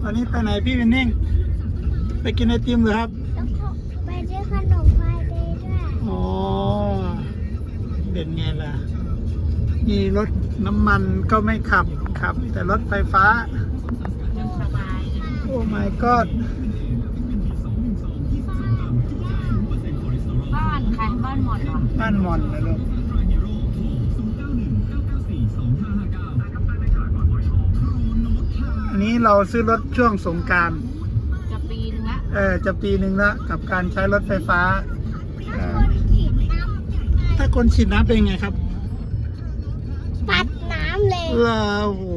วันนี้ไปไหนพี่วินนิ่งไปกินไอติมเหรอครับแล้วก็ไปซื้อขนมไฟเดย์ด้วยอ๋อเป็นไงล่ะมีรถน้ำมันก็ไม่ขับแต่รถไฟฟ้ายังสบายโอ้ my god บ้านใครบ้านหมดเหรอบ้านมอนนะลูกอันนี้เราซื้อรถช่วงสงกรานต์จะปีนึงละจะปีหนึ่งละกับการใช้รถไฟฟ้าถ้าคนฉีดน้ำเป็นไงครับปัดน้ำเลยโอ้โห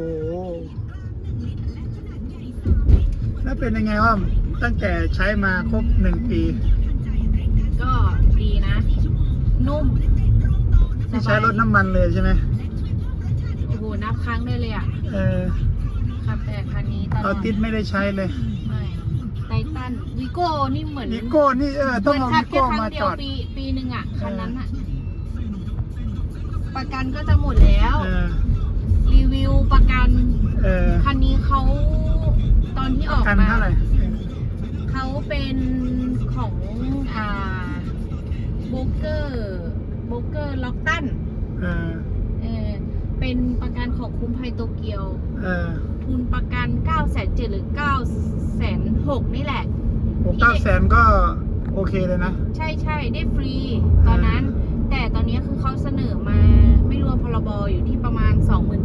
แล้วเป็นยังไงว่าตั้งแต่ใช้มาครบ1 ปีก็ดีนะ นุ่มที่ใช้รถน้ำมันเลยใช่ไหมโอ้โหนับครั้งได้เลยอ่ะขับแต่คันนี้ตลอดเอาติดไม่ได้ใช้เลยไม่ไททันวิโก้นี่เหมือนวิโก้นี่ต้องเอาวิโก้มาจอดปีหนึ่งอ่ะคันนั้นอ่ะประกันก็จะหมดแล้วรีวิวประกันคันนี้เขาตอนที่ออกมาเท่าไหร่เขาเป็นของโบรกเกอร์ล็อกตันเป็นประกันของคุ้มภัยโตเกียวทุนประกัน 970,000 หรือ 960,000 นี่แหละ 900,000ก็โอเคเลยนะใช่ได้ฟรีตอนนั้นแต่ตอนนี้คือเขาเสนอมาไม่รวมพรบอยู่ที่ประมาณ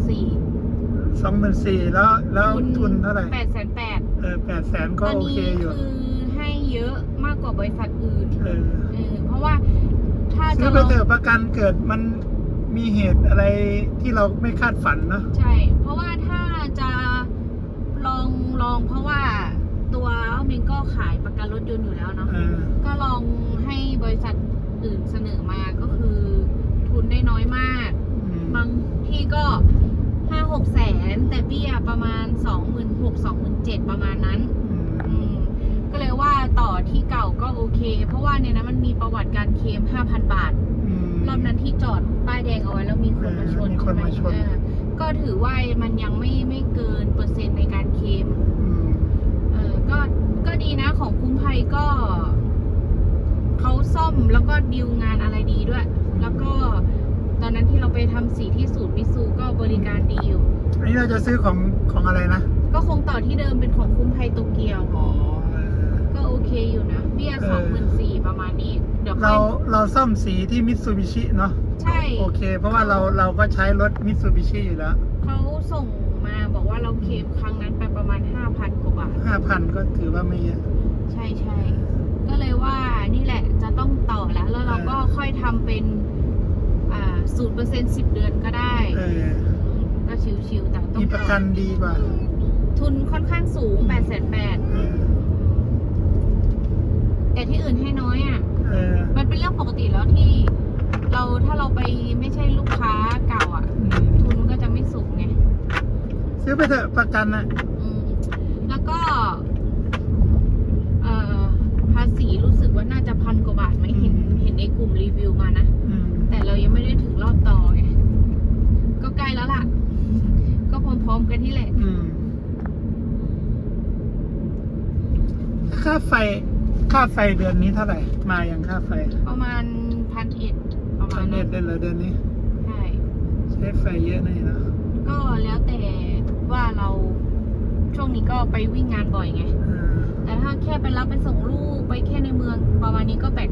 24,000 แล้วทุนเท่าไหร่ 880,000 800,000ก็โอเคอยู่คือให้เยอะมากกว่าบริษัทอื่นเพราะว่าถ้าซื้อไปเถอะประกันเกิดมันมีเหตุอะไรที่เราไม่คาดฝันเนาะใช่เพราะว่าถ้าจะลองเพราะว่าตัวเมงก็ขายประกันรถยนต์อยู่แล้วเนาะก็ลองให้บริษัทอื่นเสนอมาก็คือทุนได้น้อยมากบางที่ก็ 5-6 แสนแต่เบี้ยประมาณ 26,000-27,000 ประมาณนั้นก็เลยว่าต่อที่เก่าก็โอเคเพราะว่าในนั้นมันมีประวัติการเคลม 5,000 บาทรอบนั้นที่จอดป้ายแดงเอาไว้แล้วมีคนมาชนก็ถือว่ามันยังไม่เกินเปอร์เซ็นต์ในการเคลมก็ดีนะของคุ้มภัยก็เขาซ่อมแล้วก็ดีลงานอะไรดีด้วยแล้วก็ตอนนั้นที่เราไปทำสีที่ศูนย์มิซูก็บริการดีอยู่อันนี้เราจะซื้อของอะไรนะก็คงต่อที่เดิมเป็นของคุ้มภัยโตเกียวก็โอเคอยู่นะเบี้ย 24,000 ประมาณนี้เดี๋ยวเราซ่อมสีที่มิตซูบิชิเนาะใช่โอเคเพราะว่าเราก็ใช้รถมิตซูบิชิอยู่แล้วเขาส่งมาบอกว่าเราเคลมครั้งนั้นไปประมาณ 5,000 กว่าบาท 5,000 ก็ถือว่าไม่เยอะใช่ก็เลยว่านี่แหละจะต้องต่อแล้วเราก็ค่อยทำเป็น0% 10 เดือนก็ได้ก็ชิวๆแต่ต้องมีประกันดีกว่าทุนค่อนข้างสูง 880,000แต่ที่อื่นให้น้อยอ่ะมันเป็นเรื่องปกติแล้วที่ถ้าเราไปไม่ใช่ลูกค้าเก่าอ่ะทุนก็จะไม่สูงไงซื้อไปเถอะประกันนะแล้วก็ภาษีรู้สึกว่าน่าจะ1,000 กว่าบาทไหมเห็นในกลุ่มรีวิวมานะแต่เรายังไม่ได้ถึงรอบต่อไงก็ใกล้แล้วล่ะก็พร้อมๆกันที่แหละค่าไฟเดือนนี้เท่าไหร่มาอย่างค่าไฟประมาณ1,100ประมาณ 1,100ได้เลยเดือนนี้ใช้ไฟเยอะหน่อยนะก็แล้วแต่ว่าเราช่วงนี้ก็ไปวิ่งงานบ่อยไงแต่ถ้าแค่ไปรับไปส่งลูกไปแค่ในเมืองประมาณนี้ก็800-900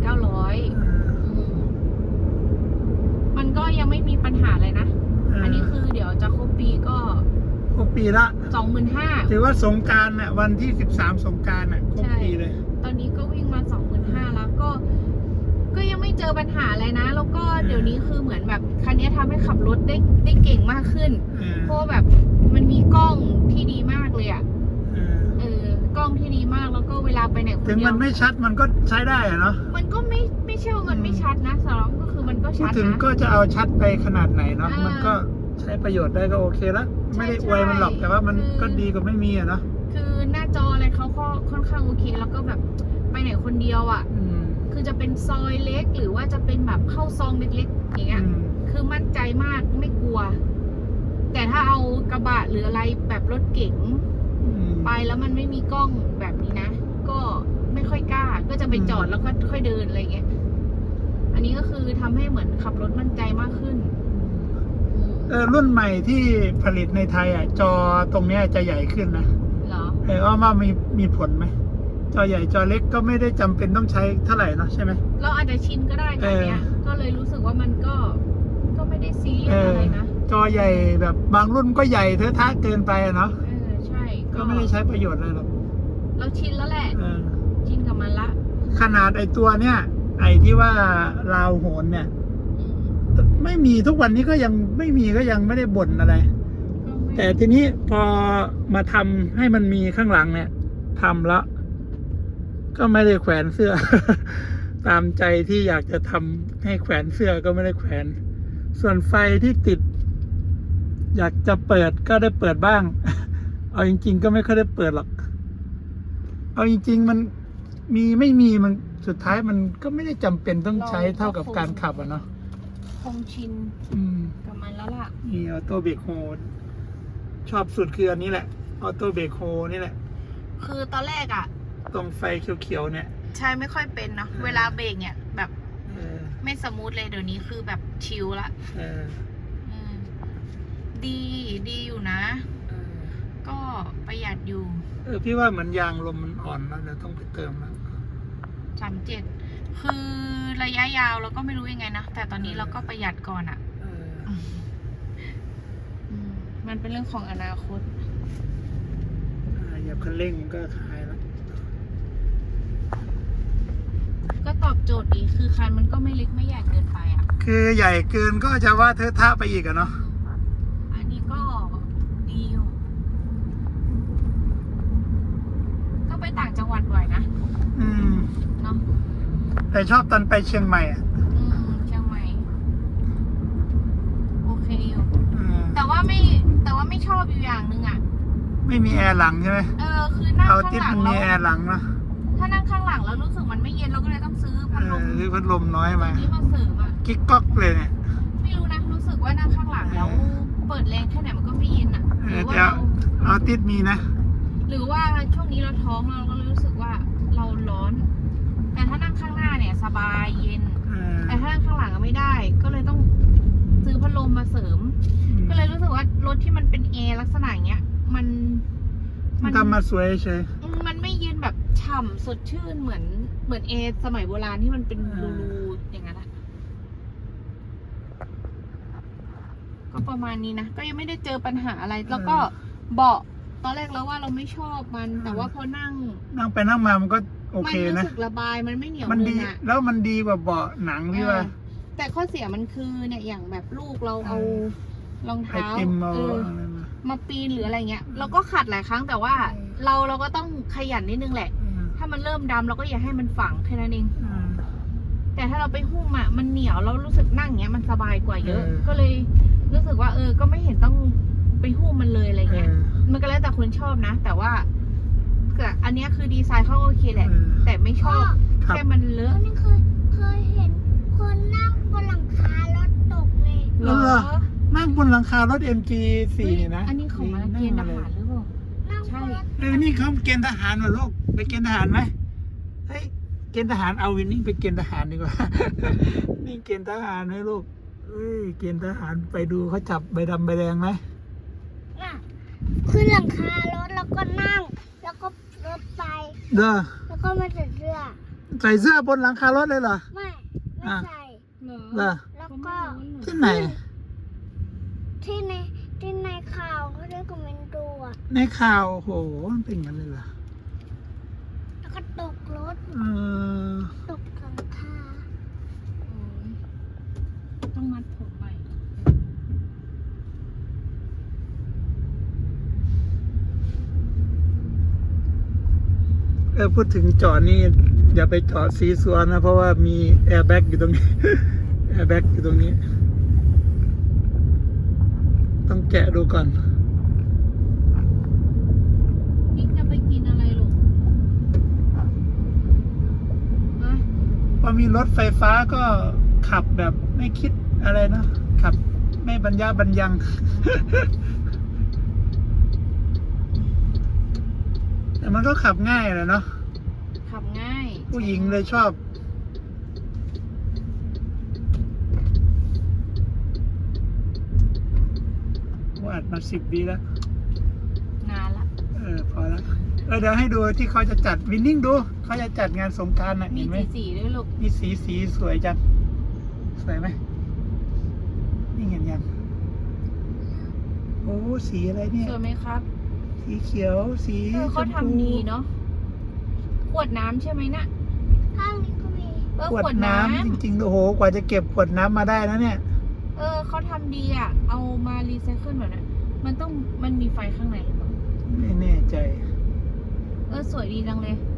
มันก็ยังไม่มีปัญหาเลยนะอันนี้คือเดี๋ยวจะครบปีก็ครบปีละ 25,000 ถือว่าสงกรานต์น่ะวันที่13สงกรานต์น่ะครบปีเลยตอนนี้ก็วิ่งมา 25,000 แล้วก็ยังไม่เจอปัญหาอะไรนะแล้วก็เดี๋ยวนี้คือเหมือนแบบคันนี้ทำให้ขับรถได้เก่งมากขึ้นเพราะแบบมันมีกล้องที่ดีมากเลยอ่ะกล้องที่ดีมากแล้วก็เวลาไปไหนคนเดียวถึงมันไม่ชัดมันก็ใช้ได้อะเนาะมันก็ไม่ใช่ว่ามันไม่ชัดนะสำหรับก็คือมันก็ชัดนะถึงก็จะเอาชัดไปขนาดไหนเนาะมันก็ใช้ประโยชน์ได้ก็โอเคแล้วไม่ได้อวยมันหรอกแต่ว่ามันก็ดีกว่าไม่มีอะเนาะคือหน้าจออะไรเขาก็ค่อนข้างโอเคแล้วก็แบบไปไหนคนเดียวอ่ะคือจะเป็นซอยเล็กหรือว่าจะเป็นแบบเข้าซองเล็กๆอย่างเงี้ยคือมั่นใจมากไม่กลัวแต่ถ้าเอากระบะหรืออะไรแบบรถเก๋งไปแล้วมันไม่มีกล้องแบบนี้นะก็ไม่ค่อยกล้าก็จะไปจอดแล้วก็ค่อยเดินอะไรเงี้ยอันนี้ก็คือทำให้เหมือนขับรถมั่นใจมากขึ้นรุ่นใหม่ที่ผลิตในไทยอ่ะจอตรงเนี้ยจะใหญ่ขึ้นนะเหรอว่ามีผลไหมจอใหญ่จอเล็กก็ไม่ได้จำเป็นต้องใช้เท่าไหร่เนาะใช่ไหมเราอาจจะชินก็ได้ตอนเนี้ยก็เลยรู้สึกว่ามันก็ไม่ได้ซีเรียสอะไรนะจอใหญ่แบบบางรุ่นก็ใหญ่เทอะทะเกินไปเนาะใช่ก็ไม่ได้ใช้ประโยชน์อะไรหรอกเราชินแล้วแหละชินกับมันละขนาดไอตัวเนี้ยไอที่ว่าราวโหนเนี่ยไม่มีทุกวันนี้ก็ยังไม่มีก็ยังไม่ได้บ่นอะไรแต่ทีนี้พอมาทำให้มันมีข้างหลังเนี่ยทำแล้วก็ไม่ได้แขวนเสื้อ ตามใจที่อยากจะทำให้แขวนเสื้อก็ไม่ได้แขวนส่วนไฟที่ติดอยากจะเปิดก็ได้เปิดบ้าง เอาจริงๆก็ไม่ค่อยได้เปิดหรอกเอาจริงๆมันมีไม่มีมันสุดท้ายมันก็ไม่ได้จำเป็นต้องใช้เท่ากับการขับอ่ะเนาะคงชินกับมันแล้วล่ะนี่ออโต้เบรกโฮชอบสุดคืออันนี้แหละออโต้เบรกโฮนี่แหละคือตอนแรกอ่ะตรงไฟเขียวๆเนี่ยใช่ไม่ค่อยเป็นเนาะเวลาเบรกเนี่ยแบบไม่สมูทเลยเดี๋ยวนี้คือแบบชิลละดีอยู่นะก็ประหยัดอยู่พี่ว่าเหมือนยางลมมันอ่อนแล้วเดี๋ยวต้องไปเติมแล้ว 37คือระยะยาวเราก็ไม่รู้ยังไงนะแต่ตอนนี้เราก็ประหยัดก่อนอ่ะมันเป็นเรื่องของอนาคตอย่าคันเร่งก็คลายแล้วก็ตอบโจทย์ดีคือคันมันก็ไม่เล็กไม่ใหญ่เกินไปอ่ะคือใหญ่เกินก็จะว่าเทอะทะไปอีกอะเนาะอันนี้ก็ดีอยู่ก็ไปต่างจังหวัดบ่อยนะเนาะแต่ชอบตอนไปเชียงใหม่อ่ะเชียงใหม่โอเคอยู่แต่ว่าไม่ชอบอยู่อย่างนึงอ่ะไม่มีแอร์หลังใช่ไหมคือนั่งข้างหลังมันมีแอร์หลังนะถ้านั่งข้างหลังแล้วรู้สึกมันไม่เย็นเราก็เลยต้องซื้อพัดลมซื้อพัดลมน้อยมาที่มาเสริมอ่ะกิ๊กก๊อกเลยเนี่ยไม่รู้นะรู้สึกว่านั่งข้างหลังแล้วเปิดแรงแค่ไหนมันก็ไม่เย็นอ่ะหรือว่าเอาติดมีนะหรือว่าช่วงนี้เราท้องเราก็รู้สึกว่าเราร้อนแต่ถ้านั่งข้างหน้าเนี่ยสบายเย็นแต่ถ้านั่งข้างหลังก็ไม่ได้ก็เลยต้องซื้อพัดลมมาเสริมก็เลยรู้สึกว่ารถที่มันเป็นแอร์ลักษณะอย่างเงี้ยมันทำมาสวยใช่มันไม่เย็นแบบฉ่ำสดชื่นเหมือนแอร์สมัยโบราณที่มันเป็นรูอย่างนั้นก็ประมาณนี้นะก็ยังไม่ได้เจอปัญหาอะไรแล้วก็เบาะตอนแรกแล้วว่าเราไม่ชอบมันแต่ว่าพอนั่งไปนั่งมามันก็โอเคนะมันรู้สึกระบายมันไม่เหนียวมันดีแล้วมันดีกว่าเบาะหนังพี่ว่าแต่ข้อเสียมันคือเนี่ยอย่างแบบลูกเราเอารองเท้ามาปีนหรืออะไรเงี้ยเราก็ขัดหลายครั้งแต่ว่าเราก็ต้องขยันนิดนึงแหละถ้ามันเริ่มดำเราก็อย่าให้มันฝังแค่นั้นเองแต่ถ้าเราไปหุ้มอ่ะมันเหนียวเรารู้สึกนั่งเงี้ยมันสบายกว่าเยอะก็เลยรู้สึกว่าก็ไม่เห็นต้องไปหุ้มมันเลยอะไรเงี้ยมันก็แล้วแต่คนชอบนะแต่ว่าอันนี้คือดีไซน์เขาโอเคแหละแต่ไม่ชอบแค่มันเลอะนี่เคยเห็นคนนั่งบนหลังคารถตกเลยเหรอนั่งบนหลังคารถ MG4 นะอันนี้ของมาเกณฑ์ทหารหรือเปล่าใช่นี่เขาเกณฑ์ทหารเหรอลูกไปเกณฑ์ทหารไหมเฮ้ยเกณฑ์ทหารเอาวินนี่ไปเกณฑ์ทหารดีกว่านี่เกณฑ์ทหารไหมลูกเกณฑ์ทหารไปดูเขาจับใบดำใบแดงไหมขึ้นหลังคารถแล้วก็นั่งแล้วก็รถไปแล้วก็มาใส่เสื้อบนหลังคารถเลยเหรอไม่ใส่แล้วก็ที่ไหนที่ในข่าวเขาได้คอมเมนต์ดูอ่ะในข่าวโหมันเป็นงั้นเลยเหรอแล้วก็ตกรถตกหลังคาต้องมัดผมไปพูดถึงจอดนี่อย่าไปจอดซีซัวนะเพราะว่ามีแอร์แบ็กอยู่ตรงนี้แอร์แบ็กอยู่ตรงนี้ต้องแกะดูก่อนนี่จะไปกินอะไรลูกพอมีรถไฟฟ้าก็ขับแบบไม่คิดอะไรนะขับไม่บรรยะบรรยังมันก็ขับง่ายแหละเนาะขับง่ายผู้หญิงเลยชอบว่าอัดมา10 ปีแล้วนานละพอแล้วเดี๋ยวให้ดูที่เขาจะจัดวินนิ่งดูเขาจะจัดงานสงกรานต์น่ะมีเห็นไหมสีด้วยลูกมีสีสวยจังสวยไหมนี่เห็นยังโอ้สีอะไรเนี่ยสวยไหมครับสีเขียวสีชเขามพูทำดีเนาะขวดน้ำใช่ไหมน่ะข้างนี้ก็มีขวดน้ำจริงๆโอ้โหกว่าจะเก็บขวดน้ำมาได้นะเนี่ยเขาทำดีอ่ะ เอามารีไซเคิลแบบนั้นมันมีไฟข้างในหรือเปล่าไม่แน่ใจสวยดีจังเลย